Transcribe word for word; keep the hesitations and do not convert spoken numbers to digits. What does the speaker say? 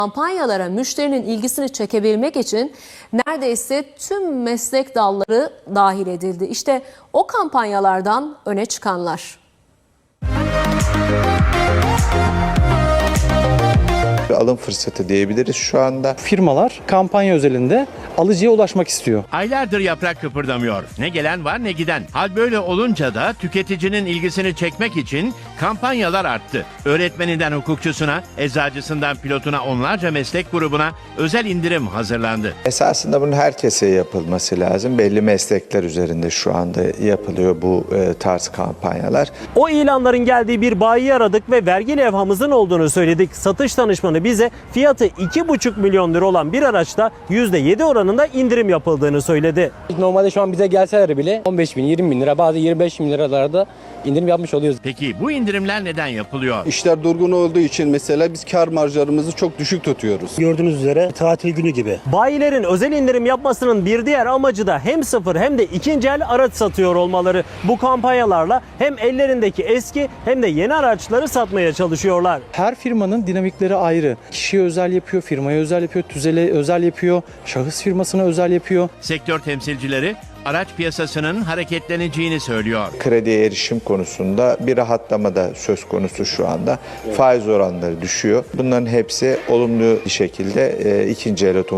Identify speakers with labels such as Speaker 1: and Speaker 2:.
Speaker 1: Kampanyalara müşterinin ilgisini çekebilmek için neredeyse tüm meslek dalları dahil edildi. İşte o kampanyalardan öne çıkanlar.
Speaker 2: Alım fırsatı diyebiliriz şu anda.
Speaker 3: Firmalar kampanya özelinde alıcıya ulaşmak istiyor.
Speaker 4: Aylardır yaprak kıpırdamıyor. Ne gelen var ne giden. Hal böyle olunca da tüketicinin ilgisini çekmek için kampanyalar arttı. Öğretmeninden hukukçusuna, eczacısından pilotuna onlarca meslek grubuna özel indirim hazırlandı.
Speaker 2: Esasında bunun herkese yapılması lazım. Belli meslekler üzerinde şu anda yapılıyor bu e, tarz kampanyalar.
Speaker 5: O ilanların geldiği bir bayiyi aradık ve vergi levhamızın olduğunu söyledik. Satış danışmanı bize fiyatı iki buçuk milyon lira olan bir araçta yüzde yedi oranında indirim yapıldığını söyledi.
Speaker 6: Normalde şu an bize gelseler bile on beş bin, yirmi bin lira, bazı yirmi beş bin liralarda indirim yapmış oluyoruz.
Speaker 4: Peki bu indirimler neden yapılıyor?
Speaker 7: İşler durgun olduğu için mesela biz kar marjlarımızı çok düşük tutuyoruz.
Speaker 8: Gördüğünüz üzere tatil günü gibi.
Speaker 5: Bayilerin özel indirim yapmasının bir diğer amacı da hem sıfır hem de ikinci el araç satıyor olmaları. Bu kampanyalarla hem ellerindeki eski hem de yeni araçları satmaya çalışıyorlar.
Speaker 3: Her firmanın dinamikleri ayrı. Kişiye özel yapıyor, firmaya özel yapıyor, tüzele özel yapıyor, şahıs firmasına özel yapıyor.
Speaker 4: Sektör temsilcileri araç piyasasının hareketleneceğini söylüyor.
Speaker 2: Krediye erişim konusunda bir rahatlama da söz konusu şu anda. Faiz oranları düşüyor. Bunların hepsi olumlu bir şekilde e, ikinci el otomobil